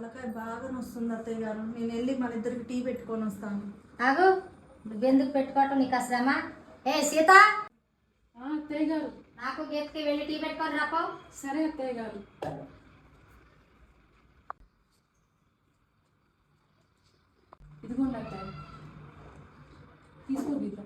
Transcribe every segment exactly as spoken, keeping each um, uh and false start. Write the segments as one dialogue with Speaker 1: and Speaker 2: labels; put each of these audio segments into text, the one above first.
Speaker 1: తలకాయ బాగా నొస్తుంది అత్తయ్య గారు. నేను వెళ్ళి మన ఇద్దరికి టీ పెట్టుకొని వస్తాను.
Speaker 2: ఆగు, నువ్వెందుకు పెట్టుకోవటం నీకు అసలమ్మా? ఏ సీత,
Speaker 3: అత్తయ్య గారు
Speaker 2: నాకు గీతకి వెళ్ళి టీ పెట్టుకొని రాపో.
Speaker 3: సరే అత్తయ్య గారు. ఇదిగోండి అత్తయ్య, తీసుకో గీత.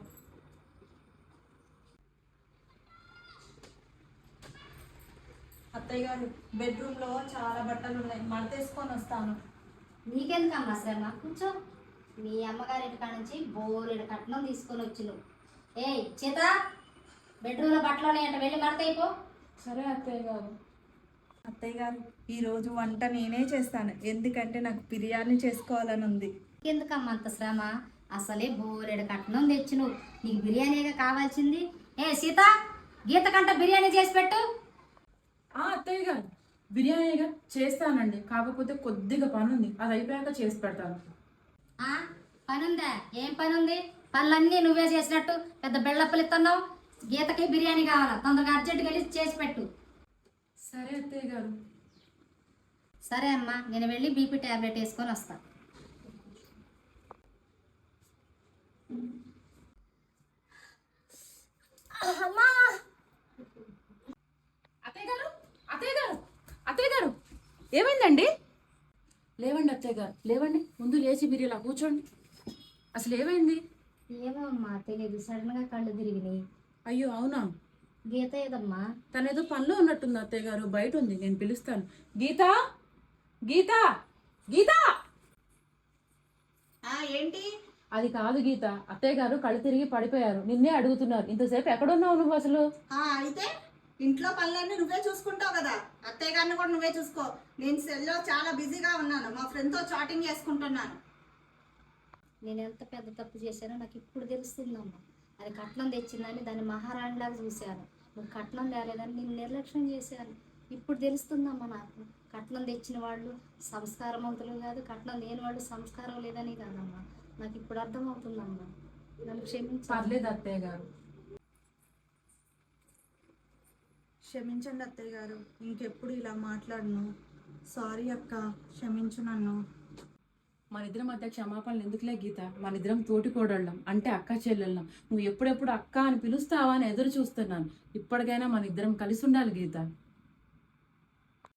Speaker 1: అత్తయ్య గారు, బెడ్రూమ్ లో చాలా బట్టలు ఉన్నాయి, మడతేసుకొని వస్తాను.
Speaker 2: నీకెందుకమ్మా శ్రమ? కూర్చో. మీ అమ్మగారి ఇంటికాడ నుంచి బోరెడు కట్నం తీసుకొని వచ్చి నువ్వు. ఏ సీత, బెడ్రూమ్లో బట్టలు ఉన్నాయంట, వెళ్ళి మడతయిపో.
Speaker 3: సరే అత్తయ్య గారు.
Speaker 1: అత్తయ్య గారు, ఈరోజు వంట నేనే చేస్తాను, ఎందుకంటే నాకు బిర్యానీ చేసుకోవాలని ఉంది.
Speaker 2: ఎందుకమ్మా అంత శ్రమ? అసలే బోరెడు కట్నం తెచ్చి నువ్వు, నీకు బిర్యానీగా కావాల్సింది. ఏ సీత, గీత కంట బిర్యానీ చేసి పెట్టు.
Speaker 3: అత్తయ్య గారు, బిర్యానీగా చేస్తానండి, కాకపోతే కొద్దిగా పని ఉంది, అది అయిపోయాక చేసి పెడతాను.
Speaker 2: పనుందా? ఏం పని ఉంది? పనులన్నీ నువ్వే చేసినట్టు పెద్ద బెళ్ళప్పలు ఇస్తున్నావు. గీతకి బిర్యానీ కావాలా, తొందరగా అర్జెంటుగా వెళ్ళి చేసి పెట్టు.
Speaker 3: సరే అత్తయ్య గారు.
Speaker 2: సరే అమ్మా, నేను వెళ్ళి బీపీ ట్యాబ్లెట్ వేసుకొని వస్తా.
Speaker 3: అత్తయ్య గారు, అత్తయ్య గారు, అత్తయ్య గారు, ఏమైందండి? లేవండి అత్తయ్య గారు, లేవండి. ముందు లేచి మీరు ఇలా కూర్చోండి. అసలు ఏమైంది?
Speaker 2: ఏమో అమ్మా, తెలియదు, సడన్ గా కళ్ళు తిరిగినాయి.
Speaker 3: అయ్యో అవునా?
Speaker 2: గీత ఏదమ్మా?
Speaker 3: తనేదో పనిలో ఉన్నట్టుంది అత్తయ్య గారు, బయట ఉంది, నేను పిలుస్తాను. గీత, గీత, గీత.
Speaker 1: ఏంటి?
Speaker 3: అది కాదు గీత, అత్తయ్య గారు కళ్ళు తిరిగి పడిపోయారు, నిన్నే అడుగుతున్నారు. ఇంతసేపు ఎక్కడున్నావు నువ్వు అసలు?
Speaker 1: అయితే ఇంట్లో పనులన్నీ నువ్వే చూసుకుంటావు కదా, అత్తయ్య గారిని కూడా నువ్వే చూసుకో. నేను సెల్లో చాలా బిజీగా ఉన్నాను, మా ఫ్రెండ్తో చాటింగ్ చేసుకుంటున్నాను.
Speaker 2: నేను ఎంత పెద్ద తప్పు చేశానో నాకు ఇప్పుడు తెలుస్తుందమ్మా. అది కట్నం తెచ్చిందని దాన్ని మహారాణిలాగా చూశాను. నువ్వు కట్నం తేలేదని నేను నిర్లక్ష్యం చేశాను. ఇప్పుడు తెలుస్తుందమ్మా నాకు. కట్నం తెచ్చిన వాళ్ళు సంస్కారవంతులు కాదు, కట్నం లేని వాళ్ళు సంస్కారం లేదని కాదమ్మా. నాకు ఇప్పుడు అర్థమవుతుందమ్మా, నన్ను క్షమించు.
Speaker 3: పర్లేదు అత్తయ్య గారు.
Speaker 1: క్షమించండి అత్తయ్య గారు, ఇంకెప్పుడు ఇలా మాట్లాడను. సారీ అక్క, క్షమించు నన్ను.
Speaker 3: మన ఇద్దరం మధ్య క్షమాపణలు ఎందుకులే గీత, మన ఇద్దరం తోటి కోడళ్ళం, అంటే అక్క చెల్లెళ్ళం. నువ్వు ఎప్పుడెప్పుడు అక్క అని పిలుస్తావా అని ఎదురు చూస్తున్నాను. ఇప్పటికైనా మన ఇద్దరం కలిసి ఉండాలి గీత.